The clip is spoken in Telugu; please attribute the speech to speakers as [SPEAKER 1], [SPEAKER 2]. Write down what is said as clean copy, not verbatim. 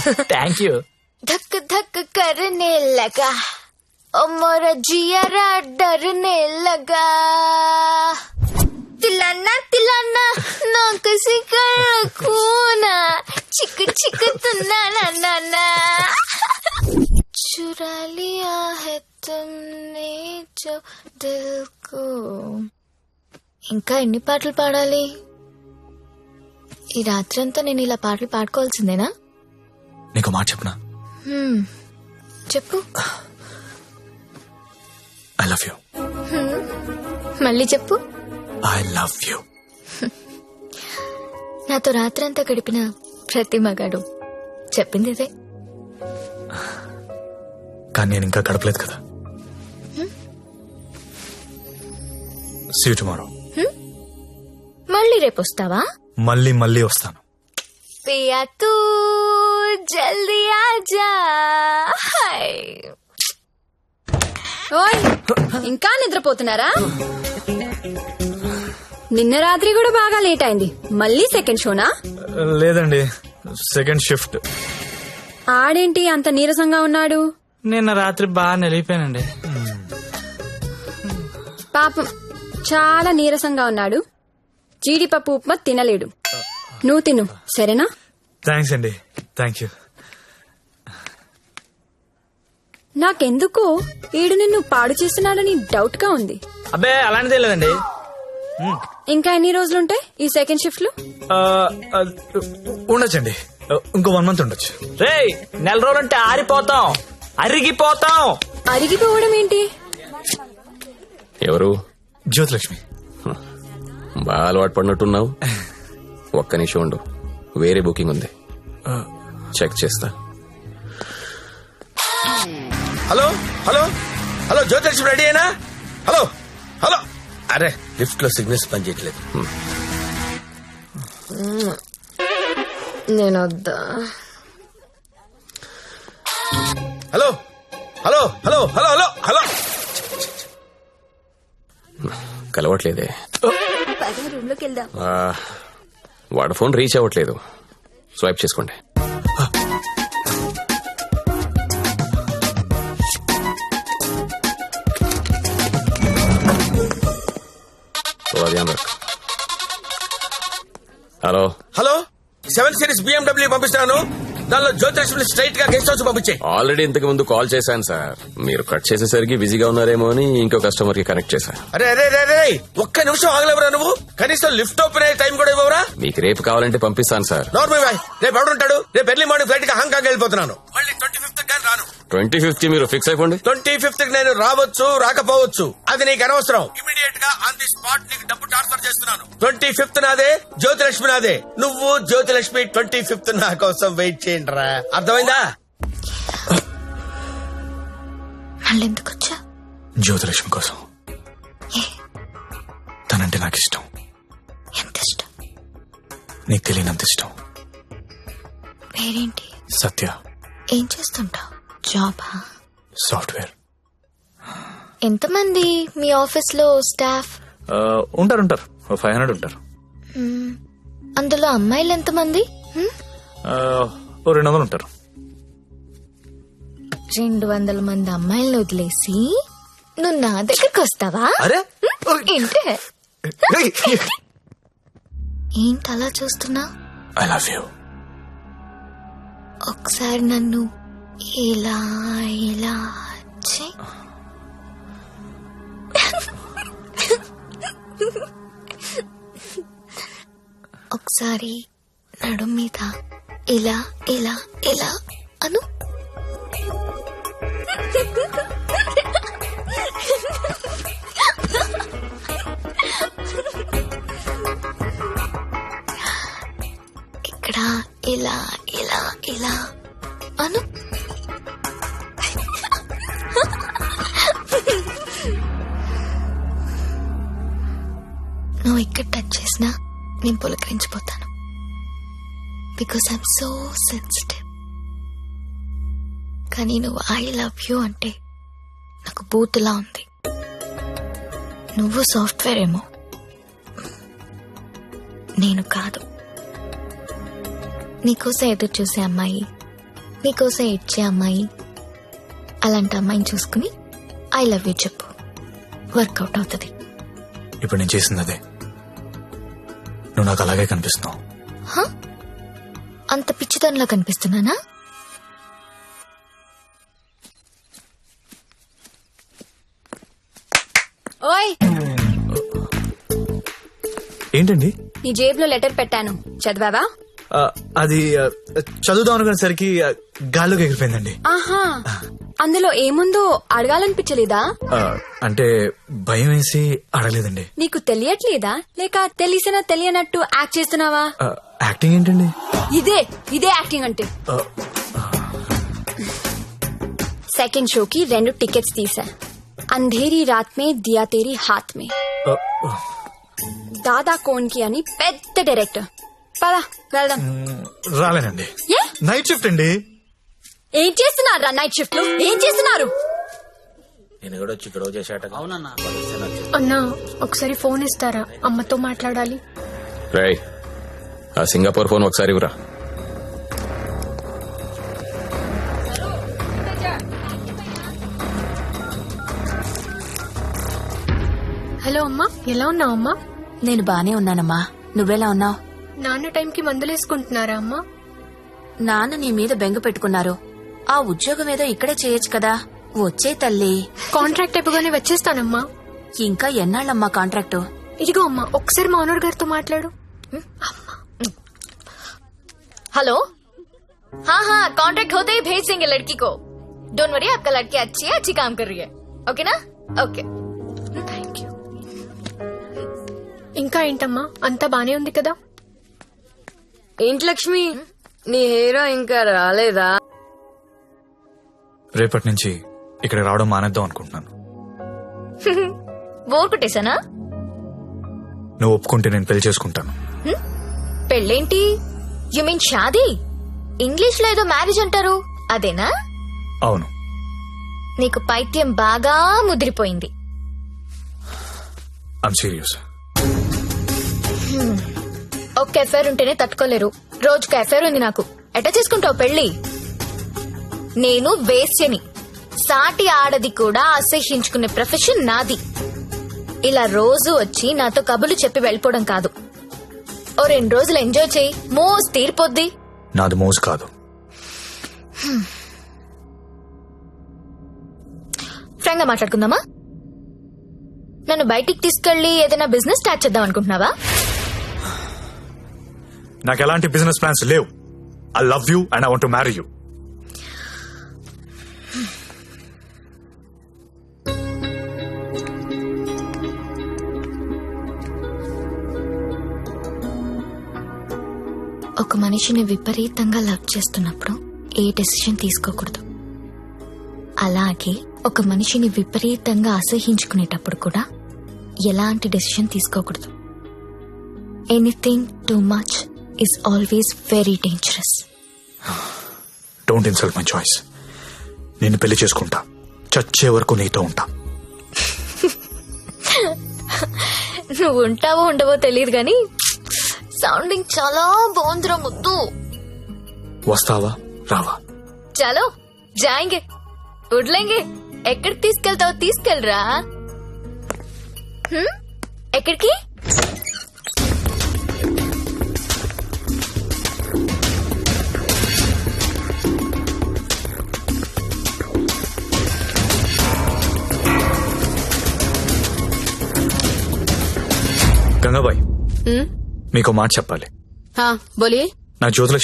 [SPEAKER 1] Thank you.
[SPEAKER 2] धक धक करने लगा और मोरा जियारा डरने लगा. तिलाना तिलाना ना किसी कर खूना चिक चिक तना ना ना ना चुरा लिया है तुमने जो दिल को. ఇంకా ఎన్ని పాటలు పాడాలి? ఈ రాత్రంతా నేను ఇలా పాటలు పాడుకోవాల్సిందేనా?
[SPEAKER 1] నీకు మాట చెప్పనా?
[SPEAKER 2] చెప్పు.
[SPEAKER 1] I love you.
[SPEAKER 2] మళ్ళీ చెప్పు.
[SPEAKER 1] I love you.
[SPEAKER 2] నాతో రాత్రంతా గడిపిన ప్రతి మగాడు చెప్పింది ఇదే.
[SPEAKER 1] కానీ నేను ఇంకా గడపలేదు కదా. See you tomorrow.
[SPEAKER 2] మళ్ళీ రేపు వస్తావా?
[SPEAKER 1] మళ్ళీ మళ్ళీ వస్తాను.
[SPEAKER 2] పియా తూ జల్దీ ఆజా.
[SPEAKER 3] ఓయ్ ఇంకా నిద్రపోతున్నారా? నిన్న రాత్రి కూడా బాగా లేట్ అయింది. మళ్ళీ సెకండ్ షోనా?
[SPEAKER 1] లేదండి, సెకండ్ షిఫ్ట్.
[SPEAKER 3] ఆడేంటి అంత నీరసంగా ఉన్నాడు?
[SPEAKER 1] నిన్న రాత్రి బాగా నిలిపోయానండి.
[SPEAKER 3] పాపం చాలా నీరసంగా ఉన్నాడు. జీడిపప్పు ఉప్మా తినలేడు. నువ్వు తిను సరేనా?
[SPEAKER 1] థ్యాంక్స్ అండి. Thank you.
[SPEAKER 3] నాకెందుకో ఈడు నిన్ను పాడు చేస్తున్నాడని డౌట్ గా ఉంది.
[SPEAKER 1] అబ్బే అలాంటిదే లేదండి.
[SPEAKER 3] ఇంకా ఎన్ని రోజులుంటాయి ఈ సెకండ్ షిఫ్ట్ లో?
[SPEAKER 1] ఉండొచ్చండి, ఇంకో 1 month ఉండొచ్చు. రే, నెల రోజులంటే ఆరిపోతాం, అరిగిపోతాం.
[SPEAKER 3] అరిగిపోవడం ఏంటి?
[SPEAKER 4] ఎవరు?
[SPEAKER 1] జ్యోతిలక్ష్మి.
[SPEAKER 4] బాగా అలవాటు పడినట్టున్నావు. ఒక్క నిమిషం ఉండు, వేరే బుకింగ్ ఉంది, చెక్ చేస్తా.
[SPEAKER 5] Hello hello hello, Jyothilakshmi ready అయినా? Hello hello. అరే లిఫ్ట్ లో సిగ్నల్స్ పనిచేయట్లేదు.
[SPEAKER 2] నేను వద్దా?
[SPEAKER 5] Hello hello hello hello hello hello.
[SPEAKER 4] కలవట్లేదే.
[SPEAKER 2] రూమ్ లోకి వెళ్దాం.
[SPEAKER 4] వాడు ఫోన్ రీచ్ అవ్వట్లేదు. స్వైప్ చేసుకోండి. హలో
[SPEAKER 5] హలో, 7 Series BMW పంపిస్తున్నాను. దానిలో జ్యోతిలక్ష్మి స్ట్రైట్ గా గెస్ట్ హౌస్ పంపించే.
[SPEAKER 4] ఆల్రెడీ ఇంతకు ముందు కాల్ చేశాను సార్. మీరు కట్ చేసేసరికి బిజీగా ఉన్నారేమో అని ఇంకో కస్టమర్ కి కనెక్ట్ చేశాను.
[SPEAKER 5] అరే అరే అరే, ఒక్క నిమిషం ఆగలేవరా నువ్వు? కనీసం లిఫ్ట్ ఓపెన్ అయ్యే టైం కూడా ఇవ్వరా?
[SPEAKER 4] మీకు రేపు కావాలంటే పంపిస్తాను సార్.
[SPEAKER 5] నార్మల్ బాయ్, రేపు ఎవడుంటాడు? రేపు ఎర్లీ మార్నింగ్ ఫ్లైట్ గా హాంకాంగ్ వెళ్ళిపోతున్నాను. మళ్ళీ 25th కానీ రాను.
[SPEAKER 4] 25th మీరు ఫిక్స్ అయిపోండి.
[SPEAKER 5] 25th నేను రావచ్చు రాకపోవచ్చు, అది నీకు అనవసరం. ఇమీడియట్ గా ఆన్ ది స్పాట్ నీకు డబ్బు ట్రాన్స్ఫర్ చేస్తున్నాను. 25th నాదే, జ్యోతిలక్ష్మి నాదే. నువ్వు జ్యోతిలక్ష్మి 25th నా కోసం వెయిట్ చేయండి రా. అర్థమైందా?
[SPEAKER 2] మళ్ళీ ఎందుకు వచ్చా?
[SPEAKER 1] జ్యోతిలక్ష్మి కోసం. తనంటే నాకు ఇష్టం.
[SPEAKER 2] ఎంత ఇష్టం?
[SPEAKER 1] నీకు తెలియనంత ఇష్టం.
[SPEAKER 2] పేరేంటి?
[SPEAKER 1] సత్య.
[SPEAKER 2] ఏం చేస్తుంటావు? జాబా?
[SPEAKER 1] సాఫ్ట్వేర్.
[SPEAKER 2] ఎంతమంది మీ ఆఫీస్ లో స్టాఫ్?
[SPEAKER 1] ఉంటారు 500 ఉంటారు.
[SPEAKER 2] అందులో అమ్మాయిలు ఎంతమంది?
[SPEAKER 1] 200 ఉంటారు.
[SPEAKER 2] 200 మంది అమ్మాయిలను వదిలేసి నువ్వు నా దగ్గరకు వస్తావా?
[SPEAKER 1] అరే
[SPEAKER 2] ఏంటి ఏంటి అలా చూస్తున్నా?
[SPEAKER 1] I love you.
[SPEAKER 2] ఒకసారి నన్ను ఇలా ఇలా చెయ్. ఒకసారి నడు మీద ఇలా ఇలా ఇలా అను. ఇక్కడ ఇలా ఇలా ఇలా అను. నువ్వు ఇక్కడ టచ్ చేసినా నేను పులకరించిపోతాను. Because I'm so sensitive. కానీ నువ్వు ఐ లవ్ యూ అంటే నాకు బూతులా ఉంది. నువ్వు సాఫ్ట్వేర్ ఏమో, నేను కాదు. నీకోసం ఎదురు చూసే అమ్మాయి నీకోసం ఇచ్చే అమ్మాయి, అలాంటి అమ్మాయిని చూసుకుని ఐ లవ్ యూ చెప్పు, వర్కౌట్ అవుతుంది.
[SPEAKER 1] ఇప్పుడు నేను చేసింది అదే. నువ్వు నాకు అలాగే కనిపిస్తున్నావు.
[SPEAKER 2] అంత పిచ్చితనంలా కనిపిస్తున్నానా?
[SPEAKER 3] ఓయ్,
[SPEAKER 1] ఏంటండి?
[SPEAKER 3] నీ జేబులో లెటర్ పెట్టాను, చదివావా?
[SPEAKER 1] అది చదువుదాం అనుకునేసరికి గాల్లోకి ఎగిరిపోయిందండి.
[SPEAKER 3] ఆహా, అందులో ఏముందో అడగాలనిపించలేదా?
[SPEAKER 1] అంటే భయం వేసి అడగలేదండి.
[SPEAKER 3] నీకు తెలియట్లేదా, లేక తెలిసినా తెలియనట్టు యాక్ట్ చేస్తున్నావా?
[SPEAKER 1] యాక్టింగ్ ఏంటండి?
[SPEAKER 3] ఇదే యాక్టింగ్ అంటే. సెకండ్ షోకి 2 టికెట్స్ తీసా. అంధేరి రాత్ మే దియా తేరీ హాత్ మే. దాదా కోన్కి అని పెద్ద డైరెక్టర్. పదా వెళ్దాం.
[SPEAKER 1] రాలేనండి.
[SPEAKER 3] ఏ?
[SPEAKER 1] నైట్ షిఫ్ట్ అండి.
[SPEAKER 3] ఏం చేస్తున్నారు నైట్ షిఫ్ట్ లో? ఏం చేస్తున్నారు?
[SPEAKER 5] నేను కూడా వచ్చి ఇక్కడ చేశాట.
[SPEAKER 6] అన్నా ఒకసారి ఫోన్ ఇస్తారా, అమ్మతో మాట్లాడాలి.
[SPEAKER 4] రేయ్, ఆ సింగపూర్ ఫోన్ ఒకసారి ఇవ్వరా.
[SPEAKER 6] హలో అమ్మా, ఎలా ఉన్నావు అమ్మా?
[SPEAKER 7] నేను బానే ఉన్నానమ్మా, నువ్వెలా ఉన్నావు?
[SPEAKER 6] నాన్న టైంకి మందులేసుకుంటున్నారా అమ్మా?
[SPEAKER 7] నాన్న నీ మీద బెంగ పెట్టుకున్నారు. ఆ ఉద్యోగం ఏదో ఇక్కడే చేయొచ్చు కదా. వచ్చే తల్లి.
[SPEAKER 6] కాంట్రాక్ట్ అయిపోగానే వచ్చేస్తానమ్మా.
[SPEAKER 7] ఇంకా ఎన్నాళ్ళమ్మా కాంట్రాక్టు?
[SPEAKER 6] ఇదిగో అమ్మా, ఒకసారి మా ఓనర్ గారితో మాట్లాడు.
[SPEAKER 2] हेलो, हाँ कॉन्ट्रैक्ट होते ही भेज देंगे लड़की को. डोंट वरी, आपका लड़की अच्छी है, अच्छी काम कर रही है. ओके ना? ओके.
[SPEAKER 6] Thank you. ఇంకా ఏంటమ్మా, అంతా బానే ఉంది కదా?
[SPEAKER 3] ఏంటి లక్ష్మి, నీ హీరో ఇంకా రాలేదా?
[SPEAKER 1] రేపటి నుంచి ఇక్కడ రావడం మానేద్దాం అనుకుంటున్నాను.
[SPEAKER 2] బోర్ కొట్టేశానా?
[SPEAKER 1] నువ్వు ఒప్పుకుంటే నేను పెళ్లి చేసుకుంటాను.
[SPEAKER 2] పెళ్ళేంటి? You mean shaadi? ఇంగ్లీష్ లో ఏదో మ్యారేజ్ అంటారు, అదేనా?
[SPEAKER 1] అవును.
[SPEAKER 2] నీకు పైత్యం బాగా ముదిరిపోయింది.
[SPEAKER 1] I'm serious.
[SPEAKER 2] ఒక్క ఎఫైర్ ఉంటేనే తట్టుకోలేరు, రోజుకు ఎఫైర్ ఉంది నాకు. ఎట్లా చేసుకుంటావు పెళ్లి? నేను వేశ్యని, సాటి ఆడది కూడా అసహ్యించుకునే ప్రొఫెషన్ నాది. ఇలా రోజు వచ్చి నాతో కబులు చెప్పి వెళ్ళిపోవడం కాదు. ఓ 2 రోజులు ఎంజాయ్ చేయి, మోస్ తీరిపోద్ది.
[SPEAKER 1] నాది మోజు కాదు.
[SPEAKER 2] ఫ్రాంక్ గా మాట్లాడుకుందామా? నన్ను బయటికి తీసుకెళ్లి ఏదైనా బిజినెస్ స్టార్ట్ చేద్దాం అనుకుంటున్నావా?
[SPEAKER 1] నాకు ఎలాంటి బిజినెస్ ప్లాన్స్ లేవు. I love you and I want to marry you.
[SPEAKER 2] ఒక మనిషిని విపరీతంగా లవ్ చేస్తున్నప్పుడు ఏ డెసిషన్ తీసుకోకూడదు. అలాగే ఒక మనిషిని విపరీతంగా అసహించుకునేటప్పుడు కూడా ఎలాంటి డెసిషన్ తీసుకోకూడదు. Anything too much is always very dangerous.
[SPEAKER 1] Don't insult my choice. నేను పెళ్లి చేసుకుంటా, చచ్చే వరకు నీతో ఉంటా.
[SPEAKER 2] నువ్వు ఉంటావో ఉండవో తెలియదు గాని సౌండింగ్ చాలా బాగుందిరా ముద్దు.
[SPEAKER 1] వస్తావా రావా?
[SPEAKER 2] చలో జాయింగే, ఉడ్లేంగే. ఎక్కడికి తీసుకెళ్తావో తీసుకెళ్ళరా. ఎక్కడికి?
[SPEAKER 1] గంగాబాయ్, మీకు మాట చెప్పాలి.
[SPEAKER 7] బోలియే.
[SPEAKER 1] నా జ్యోతిలక్ష్మి